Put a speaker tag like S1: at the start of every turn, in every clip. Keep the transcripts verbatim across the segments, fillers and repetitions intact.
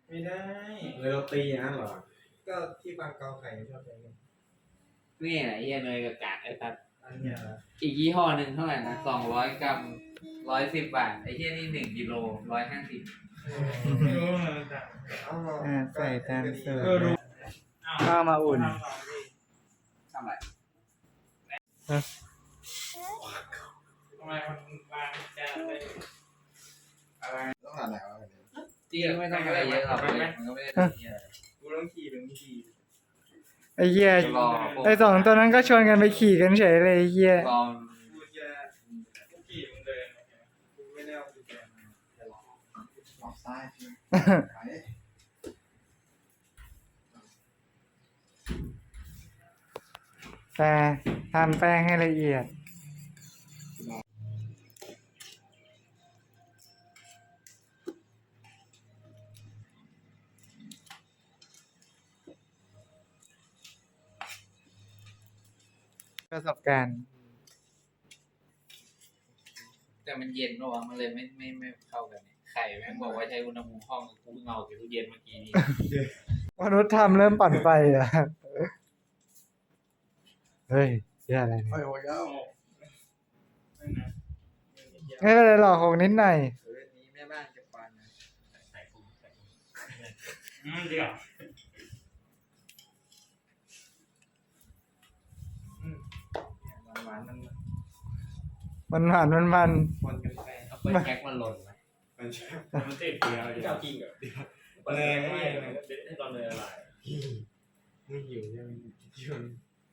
S1: ไม่ได้
S2: เลยเราตีอย่างนั้นเหรอ
S1: ก็ที่บางเกาไข่ชอบใช้กัน
S3: นี่แหละเฮียเนยกับกากไอ้ตัด
S1: อันเนี้ยนะ
S3: อีกยี่ห้อหนึ่งเท่าไหร่นะสองร้อยกรัมร้อยสิบบาทไอ้เฮียนี่หนึ่งกิโลร้อยห้าสิบ
S1: ไม่รู้เหมือนกัน
S4: อ่าใส่ตามสูตร
S1: ก็รู้
S4: ข้าวมาอุ่น
S3: ทำไร
S1: ทำไมมันวางจานไปอะไร
S2: ต้องหาไหนวะ
S3: จริงไม่ต้องอะไรเยอะหรอกมันก็ไม่ได้ทำเฮียอะไร
S1: กูต้องขี่ถึงขี่
S4: ไอ้เหี้ย
S3: รอพวก
S4: ไอ้สองตัวนั้นก็ชวนกันไปขี่กันเฉยเลยไอ้เหี้ย
S3: รอ
S1: กูจะกูขี่มึงเดินกูไม่ได้เอากุญแจมา
S2: ออกซ้ายไป
S4: แต่ทำแป้งให้ละเอียดประสบการณ์
S3: แต่มันเย็นระวังมันเลยไม่ไม่ไม่เข้ากันเนี่ยไข่แม่งบอกว่าใช้อุณหภูมิห้องกูเงาจากตู้เย็นเมื่อกี้นี้
S4: มนุษย์ทำเริ่มปั่นไฟอ่ะ เฮ้ยเหี้ยอะไร
S2: โอ้
S4: เนี่ย
S2: ยโอ้ยแล้ว
S1: ไม่นะ
S4: ไม่เป็นไรหรอกหกนิดหน่อย
S3: เออนี้แม่บ้านจะฟันนะ
S1: ใส่กูใส่กูอืมเดี๋ยวอืมหวานๆมัน
S4: มันหวานมันมัน
S1: คนกันไป
S3: เอาเปิดแก๊กมันหล่นไหม
S2: มันใช่
S1: มันติดเดียวเจ้าจริงเหรอเนยไม่เด็ดให้ตอนเนยละลาย
S2: ไม่หิวใช่ไหมหิว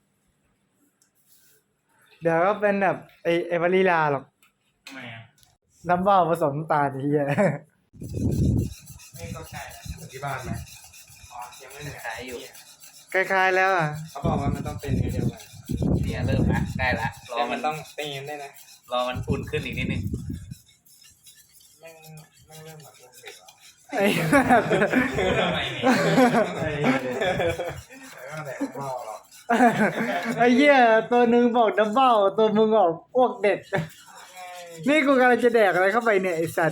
S4: เดี๋ยวก็เป็นแบบไอ้ไอ้วานิลาหรอก
S1: ทำไมอ่ะ
S4: น้ำเปล่าผสมน้ำตาลไอ้เหี้ย
S1: ไม่เข้าใจแล้ว
S2: ที่บ้านไหม
S1: อ๋อยังไม่เหนื่อย
S3: ขายอยู่
S4: คล้ายๆแล้วอ่ะ
S2: เขาบอกว่ามันต้องเป็นเดียวกัน
S3: เนี่ยเริ่มละได้ละรอ
S2: แต่
S3: มั
S2: มัน นต้องตีนได้นะ
S3: รอมันอุ่นขึ้นอีกนิดนึง
S2: แม่งแม่งเริ่มแบบเริ่มเด็กแล้ว
S4: ไอ้
S1: ทำไมเนี่ย
S2: ไอ้แต่ก็แต่ไม่เอาหรอก
S4: ไอ้เหี้ยตัวหนึ่งบอกน้ำเปล่าตัวมึงบอกอ้วกเด็ด นี่กูกำลังจะแดกอะไรเข้าไปเนี่ยไอ้สัตว์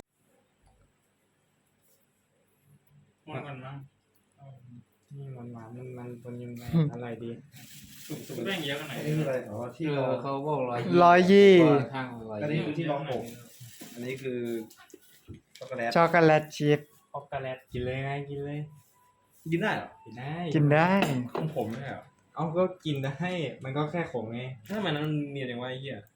S1: หมดก่อนมั้ง
S2: นี่มันหวานมันมันตัวยังไงอะไรดี
S1: แบ่งเยอะกันไหน
S2: นี่อะไรอ๋อที่
S3: เอ
S2: รอ
S3: อเขาบอกร้อย
S4: ร้อยยี่
S3: ข้างร้อย
S2: อันนี้
S3: ยี่
S2: คือที่รองหกอันนี้คือช็อกโกแลต
S4: ช็อกโกแลตชิพ
S1: ออกกาแลตกินเลยไงกินเลย
S2: กินได้เหรอ
S1: กินได้
S4: กินได้
S1: ของผมไม่ใช่เหรอ
S2: เอาก็กินได้มันก็แค่ขมไงถ้ามันนั้นเนียนอย่างว่าไอ้เหี้ย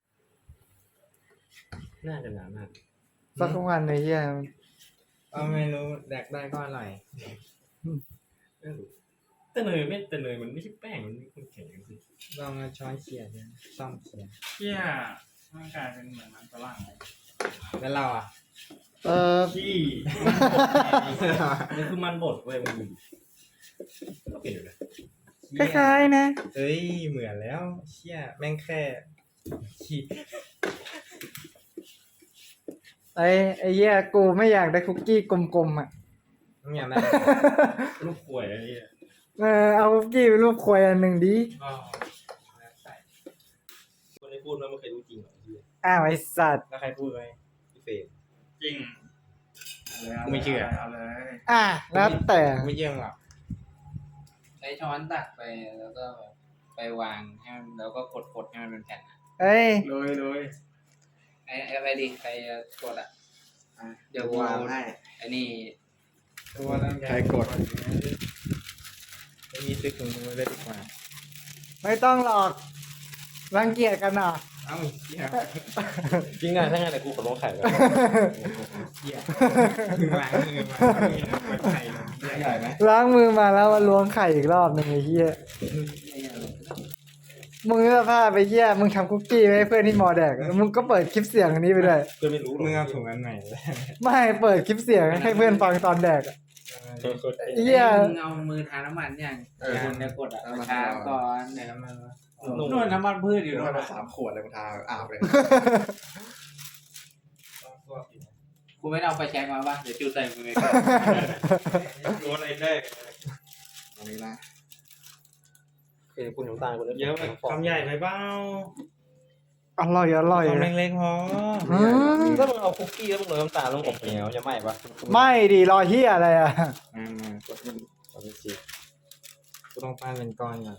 S2: น่าจะหนามาก
S4: สักวันไอ้เหี้ย
S2: เอาไม่รู้แดกได้ก็อร่อย
S1: แต่เนยไม่แต่เนยมันไม่ใช่แป้งมันเป็นแข็งสิ
S2: ลองเอาช้อนเขี่ยดูซ่อมเขี่ย
S1: เชี่ยร่างกายเป็นเหมือนมันฝรั่งเลย
S2: แล้วเราอ่ะ
S4: เออ
S1: ที่มันคือมันบดเว้ยมันก็เปลี่ยนอยู่นะ
S4: คล้ายๆนะ
S2: เอ้ยเหมือนแล้ว เชี่ยแม่งแค่ขี้
S4: ไอ้ไอ้เหี้ยกูไม่อยากได้คุกกี้กลมๆอ่ะ
S2: ไม่อยากได้
S1: ลูกข่วยอะไรเนี่ย
S4: เออเอาคุกกี้เป็นรูปควายอันหนึ่งดิ
S1: ก็ใส่คนที่พูดว่าไม่เคยรู้จริงหรอที่
S4: อ้าวไอ้สัตว์
S2: แล้วใครพูดไว้พี่เฟรม
S1: จริง
S2: กูไม่เชื่อ
S1: เอาเลย
S4: อ่ะแล้วแต่
S2: ไม่เยี่ยมหรอก
S3: ใช้ช้อนตักไปแล้วก็ไปวางให้มันแล้วก็กดกดให้มันเป็นแผ่นอะ
S4: เอ้ย
S1: โดยโดย
S3: ไอ้ไอ้อะไรดีใครจะกดอ่ะ
S2: อ่ะ
S3: เดี๋ยวกู
S2: วางให้
S3: ไอ้นี่
S2: ตัวร่างกาย
S4: ใครกด
S2: ไม่มีซื้อถุงมือเลยดีกว่า
S4: ไม่ต้องหรอกรังเกียจกันอ่ะ
S2: เอ้าเชี่ยจริงอ่ะถ้างั้นแต่กูขอลงไข่ก่อนเชี่ยล้างมือมาไม่ไข่ใหญ่ไหม
S4: ล้างมือมาแล้วมาล้วงไข่อีกรอบหนึ่งไอ้เหี้ยมึงจะพาไปเหี้ยมึงทำคุกกี้ให้เพื่อนที่มอแดกมึงก็เปิดคลิปเสียงอันนี้ไปด้วย
S2: เพื่อนไม่รู้มึงเอาถุงอันไหน
S4: ไม่เปิดคลิปเสียงให้เพื่อนฟังตอนแดกอะเหี้ย
S3: มึงเอามือทาน้ำมันยังคุณจะกดอ่ะทาก่อน
S2: ไหนน้ำมันวะ
S3: นวดน้ำมันพืชอยู่
S2: น
S3: นู่
S2: วด
S3: น
S2: มาสามขวดเลยกูทาอาบเลย
S3: กูไม่ได้เอาไฟแช็กมาป่ะเดี๋ยวจุดใส่มือเลย
S1: รู้อะไรได้
S2: ตรงนี้นะ คือคุณน้ำตาลคน
S1: เยอะแบบคำใหญ่ไปเปล่า
S4: อร่อยอร่อย
S2: ทำเล็กๆพอ
S4: อืม
S2: ถ้ามึงเอาคุกกี้แล้วมึงโรยน้ำตาลลงอบเหนียวจะไหม้ปะ
S4: ไม่ดีรอเฮียอะไรอ่ะ
S2: อืมกดมันกดมันสิกูต้องปั้นเป็นก้อนก่อน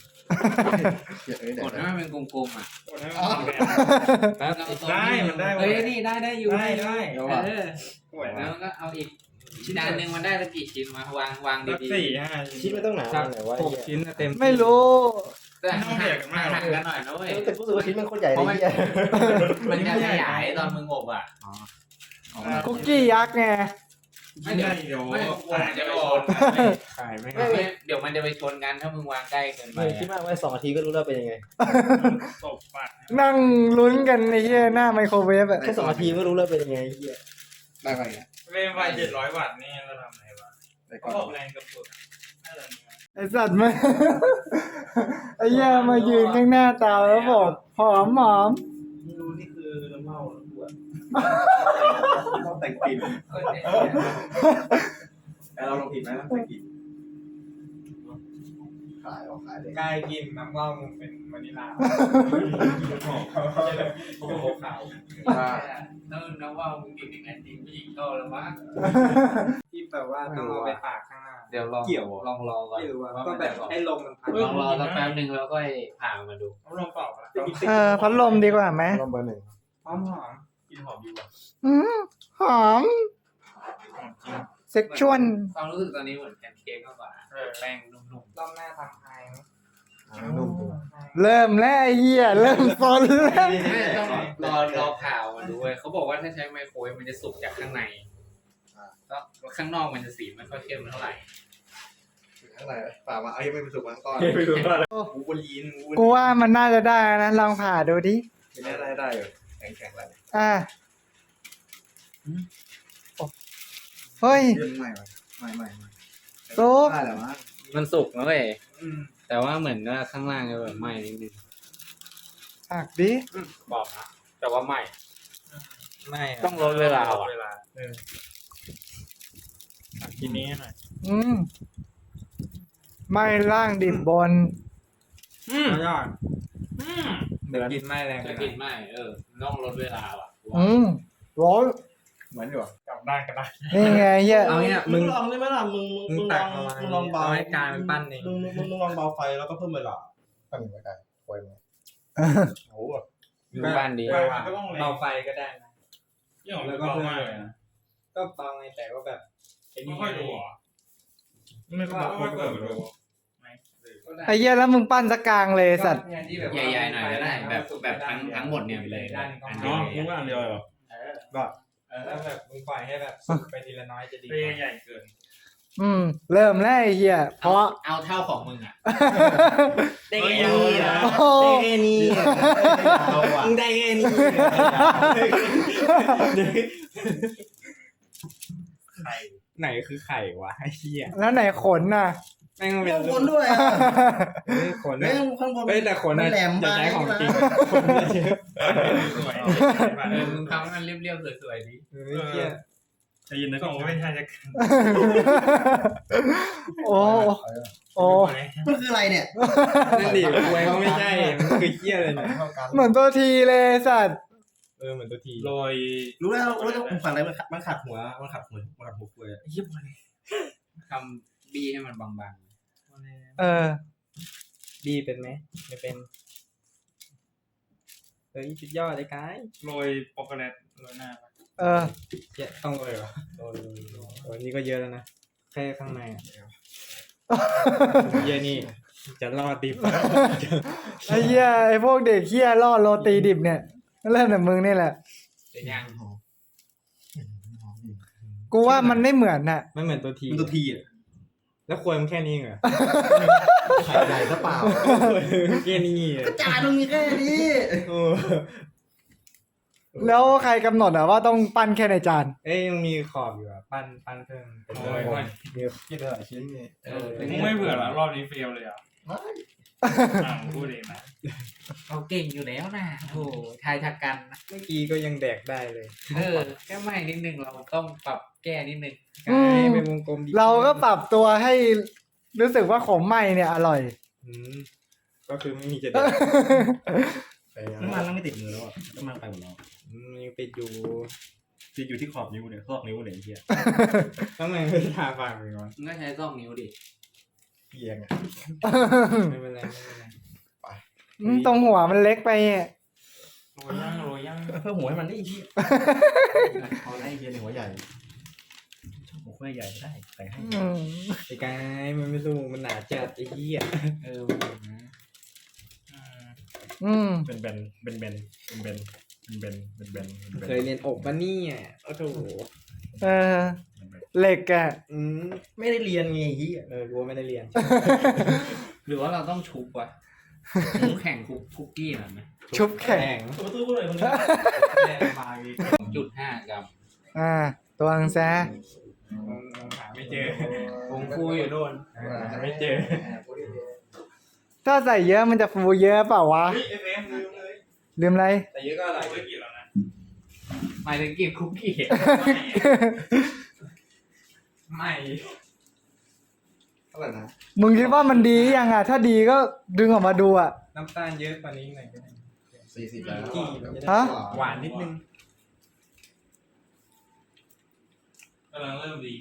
S3: กดให้มันเป็นกลมๆอ่ะ
S2: แป๊บ
S1: ได้มันได้
S3: เฮ้ยนี่ได้ได้อยู่
S1: ได้ได้
S3: เออ
S1: สวย
S3: แล้
S1: นะ
S3: วก็เอาอีกจานหนึ่งมันได้ละกี่ชิ้นมาวางวาง
S1: สัก
S3: ดี
S1: สี่ห้า
S2: ชิ้นไม่ต้องหนา
S3: สัก
S2: ไหนว่า
S3: หกชิ้นเต็ม
S4: ไม่รู้
S3: ๆแต่ห่างห่างกันหน่อยนะเว้ย
S2: แต่กูรู้สึกว่าชิ้นมันโคตรใหญ่
S3: เพ
S2: เลย
S3: ราะมัน
S2: เหี้ย
S3: มันจะขยายตอนมึงอบอ่ะ
S4: คุกกี้ยักษ์ไง
S1: ไม่ได้เดี๋ยว
S3: ไม่กลัวมันจะไปชน
S2: ขายไม่
S3: ไม่ไม่เดี๋ยวมันจะไปชนกันถ้ามึงวางใกล้เกินไป
S2: ไม่คิดมากว่าสองนาทีก็รู้แล้วเป็นยังไง
S1: ตบปาก
S4: นั่งลุ้นกันไอ้เหี้ยหน้าไมโครเวฟอะ
S2: แค่สองนาทีก็รู้แล้วเป็นยังไงเหี้ย
S5: ได้ไปอ่ะ
S1: เวฟไฟเจ็ดร้อยวัตต์นี่เราทำไงวะ
S5: ได้ก่
S1: ก็
S5: อน
S1: บอกแรงกับสุดน่าจะเนี่ย
S4: ไอสัตว์มา ไอ้เหี้ยมายืนข้างหน้าเตาแล้วบอกหอมหอม
S5: ดูนี่คือน้ำเมาน้ำบวชต้องแต่งกลิ่นแต่เราลงผิดไหมต้องแต่งกลิ่นขายออกขายเลย
S2: กายกินน้ำว่าวมึงเป็นวานิลาโอ้โหขาว
S3: แล้วน้องว่ามึงกินอย่างนั้นจริงผู้หญิงเข้าแล้วมั้ง
S2: ที่แบบว่าต้องเอาไปตากข้างหน้า
S3: เดี๋ยวลอง
S2: เกี่ยว
S3: ลองรอก่อน
S2: ไม่รู้ว่าก็แบบให้ลมมันพัด
S3: ลองรอสักแป๊บนึงแล้วก็ผ่ามาดู
S1: เอาลงเปล่าละ
S4: เออพัดลมดีกว่าไหม
S2: ลมเบอร์หนึ่ง
S1: หอมหอมกินหอมดีกว่า
S4: อืมหอม
S1: หอมจริง
S4: เซ็กชวล
S3: ความรู้สึกตอนนี้เหมือนแพนเค้กมากกว่าแป้งนุ่ม
S2: รอบหน้าทำไฮไหม
S5: นุ่มตัว
S4: เริ่มแล้วไอ้เหี้ยเริ่มซนแล้ว
S3: ๆไม่ต้องรอรอผ่ามาดูเว้ยเขาบอกว่าถ้าใช้ไมโครเวฟมันจะสุกจากข้างในแล้วข้างนอกมันจะสีไม่ค่อยเข้มเท่าไหร่
S5: ข้างในป่ามาเอายังไม่ไปสุกมันก้อน
S2: ไม่รู้ว่า
S5: กูบนลีนกู
S4: กูว่ามันน่าจะได้นะลองผ่าดูดิ
S5: ได้ได้ได้อยู่แข็งแข็งแล้ว
S4: อ่าเฮ้ย
S5: เรื่องใหม่ใหม่ใหม่ใหม่
S4: โต๊ะ
S5: ได้แล้วมั้ง
S3: มันสุกนะเว้ย
S1: อืม
S3: แต่ว่าเหมือนว่าข้างล่างจะแบบไหม้นิดนึง
S4: หักดิ
S3: บอกนะแต่ว่าไหม้
S2: ไม่ะ
S3: ต้องลดเวลาอ่ะ
S1: เวลาเออกินนี้หน่อย
S4: อืมไม่ล่างดิบบน
S1: อืม
S2: สุดยอด
S1: อืม
S2: เดี๋ยวกินไม่แรง
S3: จะกินไหม้เออต้องลดเวลาว่ะ
S4: อืมร้อน
S5: เหมือนอยู่
S1: กลับด้านกันได้
S4: นี่ไงเหี้ย
S2: เอาเนี่ย
S5: มึ
S2: มึ
S5: ง
S2: ง
S5: ลองได้ไหมล่ะมึง
S2: มึ
S5: มึ
S2: ง
S5: งล
S2: ตั
S5: อก ง
S2: เอาไว้
S5: มึงลองเบา
S2: เอาให้กลายเป็นปั้นเอง
S5: มึงมึงมึงลองเบาไฟแล้วก็เพิ่มเวลาปั้นไม่ได้ไฟมันโอ้โห
S3: อยู่บ้านดี
S2: เบา
S1: ก็ต้องแรง
S2: เบาไฟก็ได้นะ
S1: ยี่ห้อ
S2: แล้
S1: แล้ว ว
S2: ก็
S1: ก็
S2: เพิ่ม
S1: มาก
S2: เล
S1: เลย ย
S2: นะ
S1: นะ
S2: ก็เบาไงแต่ว่าแบบไอ้
S1: ไม่
S2: นี่
S1: ค่อยดูอ่ะไม่ค่อยไม่ค่อยเปิดดูไหม
S4: ไอ้เหี้ยแล้วมึงปั้นสกกลางเลยสัตว์
S3: ใหญ่ๆหน่อยก็ได้แบบแบบทั้งทั้งหมดเนี่ยไปเลย
S2: ด้านนี้ก็
S3: อัน
S2: อ๋
S3: นี้
S2: อ
S1: กูว่าอันเดียวเหรอ
S2: ก็เออแล้วแบบมึงปล่อยให้แบบสุกไปทีละน้อยจะดีก
S1: เรีย
S2: ว่า
S1: ใหญ่เกิน
S4: อืม เริ่มแล้วไอ้เหี้ยเพ
S3: เอา
S4: ราะ
S3: เอาเท่าของมึงอ่ะ
S2: ได้แค่นี้นะ
S4: โอ้
S2: ได้แค่นี้มึงได้แค่นี้
S1: ไข่
S2: ไหนคือไข่วะไอ้เหี้ย
S4: แล้วไหนขนน่ะ
S2: แม่งเป็น
S5: ข้างบนด้วยอ่ะ
S2: เฮ้ยขน
S5: เฮ้
S2: เนี่ย
S5: ยข้างบน
S2: เฮ้ยแต่ขน
S5: มั
S2: น่ะ
S5: นแหลม
S2: อย่าใช้ของจริง
S5: ไป
S2: ขนเยอะ
S1: สวย
S3: เออมึงทำให้มันเรียบๆสวยๆดี
S2: เฮ้ยเหี้ย
S1: จะยินนะก็ไม่ใช่จะ
S4: โอ้โอ้
S5: มันคืออะไรเนี่ย
S2: นั่นดิควยก็ไม่ใช่มันคือเหี้ยเลยเนี่ย
S5: เท่ากัน
S4: เหมือนตัวทีเลยสัตว์
S2: เออเหมือนตัวที
S1: โรย
S5: รู้แล้วรู้แล้วมันขัดอะไรมันขัดมันขัดหัวมันขัดหัวมันขัดหัวกล้วยอะ
S3: ทำบีให้มันบาง
S4: เออ
S2: ดีเป็นไหมไม่เป็นเฮ้ยสุดยอดเลยกาย
S1: โรยโปรโกแลตโรยหน้า
S4: เออ
S2: เหี้ยต้องเลยเหรอโอ้ยโอ้ยนี่ก็เยอะแล้วนะแค่ข้างในอ่ะเหี้ยนี่จะรอดดิบ
S4: ไอ้เหี้ยไอ้พวกเด็กเหี้ยล่อโรตีดิบเนี่ยเริ่มจากมึงนี่แหละ
S3: ๆแต่ยัง
S4: กูว่ามันไม่เหมือนน่ะ
S2: มันเหมือนตัวที
S5: มันตัวทีอ่ะ
S2: แล้วควยมันแค่นี้เหรอ
S5: ไข่ใหญ่ซะเปล่า
S2: แค่นี้เหรอ
S5: จานมันมีแค่นี้
S2: โอ้
S4: แล้วใครกำหนดอ่ะว่าต้องปั้นแค่ในจาน
S2: เอ้ยยังมีขอบอยู่อ่ะปั้นปั้นเพิ่มเป็น
S1: โรย
S2: โอ้
S1: หน่อย
S2: เดี๋ยว
S5: กินได้หลายชิ้นนี่
S3: เออ
S1: มึงไม่เบื่อเหรอรอบนี้เฟลเลยอ่ะ
S5: ไม่
S1: อ่าพูดเองนะ
S3: เราเก่งอยู่แล้วนะโอ้ทายทักกันนะ
S2: เมื่อกี้ก็ยังแดกได้เลย
S3: เออแค่ไม่นิดนึงเราต้องปรับแก้นิดนึง
S4: อืม
S2: กายเป็นวงกลมดี
S4: เราก็ปรับตัวให้รู้สึกว่าของใหม่เนี่ยอร่อย
S2: อืมก็คือไม่มีจะแดก
S5: แฟ
S1: น้ำมันแล้วไม่ติดมือแล้วอ่ะน้ำมันไปหมดแล้ว
S2: อืมยังไปดู
S1: ติดอยู่ที่ขอบนิ้วเนี่ยซอกนิ้วเนี่ยไอ้เหี้ย
S2: ต้องไงไม่ทาปากเลยก่อน
S3: มึงก็ใช้ซอกนิ้วดิ
S5: เอียงอ่ะ
S2: ไม่เป็นไรไม่เป็นไร
S4: อืมตรงหัวมันเล็กไปอ่ะ
S2: โรยย่างโรยย่าง
S1: เพิ่มหัวให้มันได้อีกทีเอาไอ้เหี้ยในหัวใหญ่หัวใหญ่ได้ใส่ให้
S4: อืม
S2: ไอ้กายมันไม่สู้มันหนาจัดไอ้เหี้ย
S3: เออมันอย่างนะ
S4: อืม
S1: เป็นเบนเป็นเบนเป็นเบนเป็นเบนเป็นเบนเป็นเบน
S2: เคยเรียนอกปะเนี่ยโอ้โห
S4: เออเหล็กอ่ะ
S2: อืม
S1: ไม่ได้เรียนไงไอ้เหี้ย
S2: เออกูว่าไม่ได้เรียน
S3: หรือว่าเราต้องชุบวะชุบแข่งคุกคุกกี้หน่อยไหม
S4: ชุบแข็ง
S1: ตัวประตูเลยคนนี้แรงมาอีก
S3: จุดห้ากรัม
S4: อ่า ตัวอังแซ
S2: หาไม่เจอ
S3: ผงฟูอยู่โน่น
S2: หาไม่เจอ
S4: ถ้าใส่เยอะมันจะฟูเยอะเปล่าวะ
S1: เฮ้ยเอฟเอ็มลืมเลย
S4: ลืมอะไร
S2: แต่เยอะก็อะไร
S1: ไม่กี่แล้วนะ
S3: หมายถึงกินคุกกี้
S2: ไม่
S5: เท่าไหร่นะ
S4: มึงคิดว่ามันดียังอ่ะ ถ้าดีก็ดึงออกมาดูอ่ะ
S2: น้ำตาลเยอะกว่านี้หน่อยก็ได้
S5: สี่สิบแล้ว
S2: กี่มันจะได้
S4: ฮะ
S2: หวานนิดนึง
S1: กำลังเริ่มดี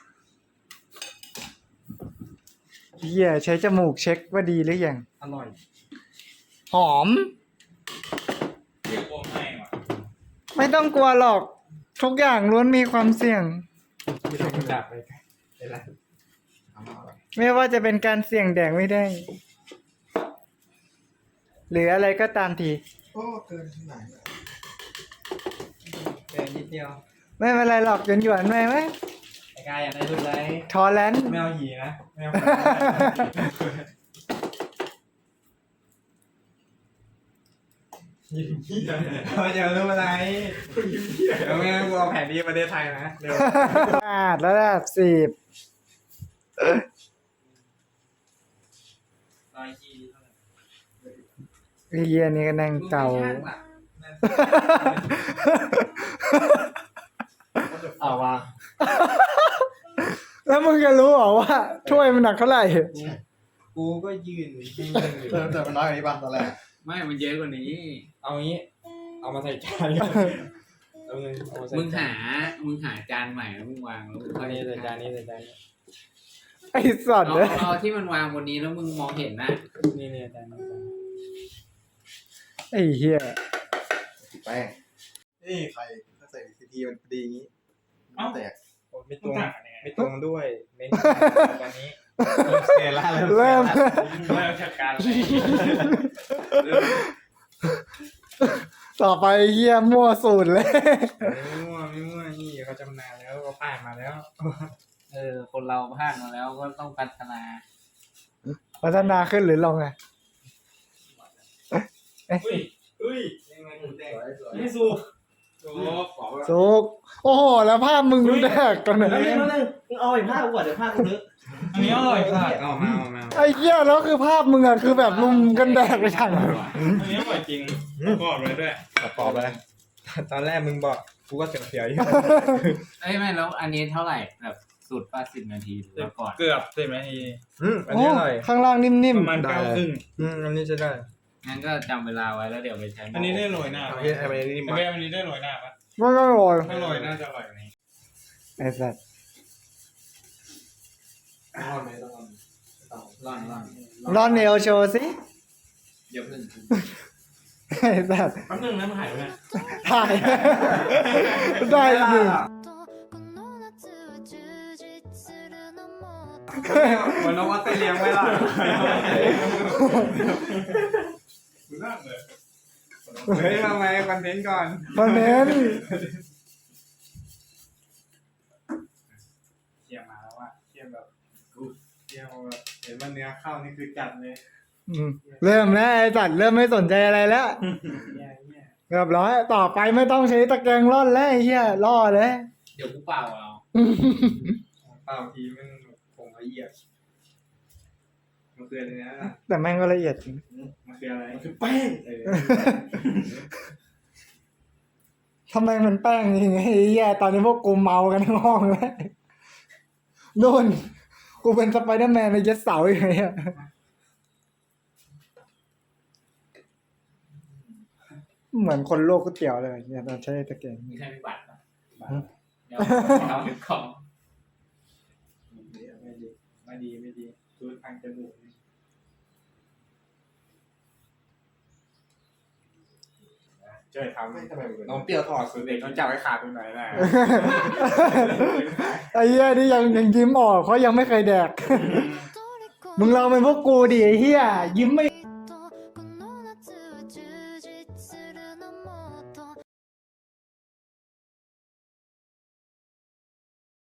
S4: เหี้ยใช้จมูกเช็คว่าดีหรือยัง
S2: อร่อย
S4: หอม
S1: เรียกว่าไม่ว่ะ
S4: ไม่ต้องกลัวหรอก ทุกอย่างล้วนมีความเสี่ยง
S2: ไม่ต้องจับไปไปละ
S5: เอามาอะไร
S4: ไม่ว่าจะเป็นการเสี่ยงแดกไม่ได้ หรืออะไรก็ตามที
S5: โอ้เกินที่ไหนอะ
S2: แค่นิดเดียว
S4: ไม่เป็นไรหรอกหยวนหยวนๆไหมไหม
S2: ไอ้กายอยากได้รุ่นไร
S4: ทอแลนด์
S2: ไม่เอาหีนะไม่เอาเราจะรู้อะไรเดี๋ยวไม่งั้นกูเอาแผนที่ประเทศไทยนะเร็ว
S4: อาดระดับสิบ
S1: ร้อยยี่เท่าไหร่
S4: เฮียนี่ก็นั่งเก่า
S3: เอาวะ
S4: แล้วมึงจะรู้เหรอว่าถ้วยมันหนักเท่าไหร่
S2: กูก็ยืนให้มึงอยู่
S5: เติมเติมมันน้อยกว่านี้ป่ะตอนแรก
S3: ไม่มันเยอะกว่านี้
S2: เอางี้ เอามาใส่จานเอาเงินเอามาใส่
S3: มึง
S2: จา
S3: หาน มึงหาจานใหม่แล้วมึงวางแล้วมึง
S2: อันนี้ใส่จานนี้ใส่จานนี้
S4: ไอ้สัตว์
S3: เอา
S4: เลย
S3: เอาที่มันวางบนนี้แล้วมึงมองเห็นนะ
S2: นี่นี่จานนี้จานนี้
S4: ไอ้เฮีย
S5: แป้งนี่ใครถ้าใส่ซีทีมันดีอย่างนี้มันแตก
S2: โอ้ไม่ต
S1: ต้
S2: ร
S1: อง
S2: ง
S1: ต่างกันยังไง
S2: ไม่ตรงด้วยเน้นจานนี้เสียละ
S4: เริ่ม
S1: เริ่มจัดการเลย
S4: ต่อไปเฮียมั่วสูตรเลย
S2: ไม่มั่วไม่มั่วนี่เขาจำนานแล้วเขาผ่านมาแล้ว
S3: เออ คนเราพลาดมาแล้วก็ต้องพัฒนา
S4: พัฒนาขึ้นหรือลงอ่ะ
S1: อุ้ยอุ้ย
S2: นี่มันหมูแดง
S1: นี่สูบ
S2: โอ้ขอ
S4: สุกโอ้โห แล้วภาพมึงดูแดกกัน
S1: แล้ว
S4: นะ
S1: นึงแล้วนึงมึงเอาไอ้ผ้ากูก่อนเดี๋ยวผ้ากูเลอะ
S2: อันนี้อร่อยค่ะเอามาเอามา
S4: ไอ้เหี้ยแล้วคือภาพมึงอะคือแบบลุมกันแดกไปทาง
S1: อันนี้อร่อยจริงประกอบเลยด้วย
S2: ประกอบเลยตอนแรกมึงบอกกูก็เสียวเสียวๆอยู่
S3: เอ้ยไม่แล้วอันนี้เท่าไหร่แบบสูตรป้าสิบนาทีหรือว่าก่อน
S1: เกือบสิบนาที
S2: อืมอัน
S4: โอ้
S2: นี้อร่อย
S4: ข้างล่างนิ่ม
S1: ประมาณเก้าครึ่ง
S2: อืมอันนี้จะได้
S3: งั้นก็จำเวลาไว้แล้วเดี๋ยวไปใช้
S1: อันนี้ได้โรยหน้า
S2: โอ
S1: ไหม
S2: เคอันนี้นี่
S1: ไอ้
S2: มา
S1: เบ้อันนี้ได้โรยหน้าปะ
S4: ๆมันก็อร่อย
S1: ถ้าโรยน่าจะอร่อยกว่านี้
S4: ไอ้สัตว์
S5: ต้องรอดไหมต้องรอดต้อง
S3: ร่อนร่อน
S4: รอนเนลโชว์สิ
S3: เดี๋ยวพึ่ง
S4: ไอ้สัตว์
S1: แป๊บนึงนะมันหายไปไหน
S4: ถ่าย ได้หนึ่ง
S2: เหมือนน้องว่าเตเลียงไว้ล่ะ
S1: คุณนั่งเลย
S2: เฮ้ยทำไมคอนเทนต์ก่อน
S4: มาเน้น
S2: เทียมมาแล้วว่าเทียมแบบเทียมแบบเห็นว่าเนื้อข้าวนี่คือจัดเลย
S4: อืมเริ่มแล้วไอ้สัตว์เริ่มไม่สนใจอะไรแล้ว
S2: เนี่ยเนี่ย
S4: เรียบร้อยต่อไปไม่ต้องใช้ตะแกรงร่อนแล้วไอ้เหี้ยล่อเลย
S3: เดี๋ยวกูเปล่าเอา
S2: เปล่าทีมันผงละเอียดมันคืออะไรนะ
S4: แต่แม่งก็ละเอียดจริง
S2: มันคืออะไร
S1: คือแป้ง
S2: เออ
S4: ทำไมมันแป้งจริงไอ้เหี้ยตอนนี้พวกกูเมากันทั้งห้องเลยนู่นกูเป็นสไปเดอร์แมนในเย็ดเสาอย่างเงี้ยเหมือนคนโลกก๋วยเตี๋ยวเลยเนี่ยตอนใช้ตะเกียง
S3: มีใครมีบัตรปะ
S4: ฮะ
S3: เดี๋ยวเอาหนึ่งกล่อง
S2: ไม่ดีไม่ดีไม่ดีดูทางจมูกนี่ ช่วยทำ
S5: ไม่ทำไมมึง
S2: น้องเปรี้ยวถอดสูตรเด็กต้องจับให้ขาดตรงไหนนะ
S4: ไอ้เหี้ยนี่ยังยังยิ้มออกเพราะยังไม่เคยแดก มึงลองเป็นพวกกูดิไอ้เหี้ยยิ้มไม่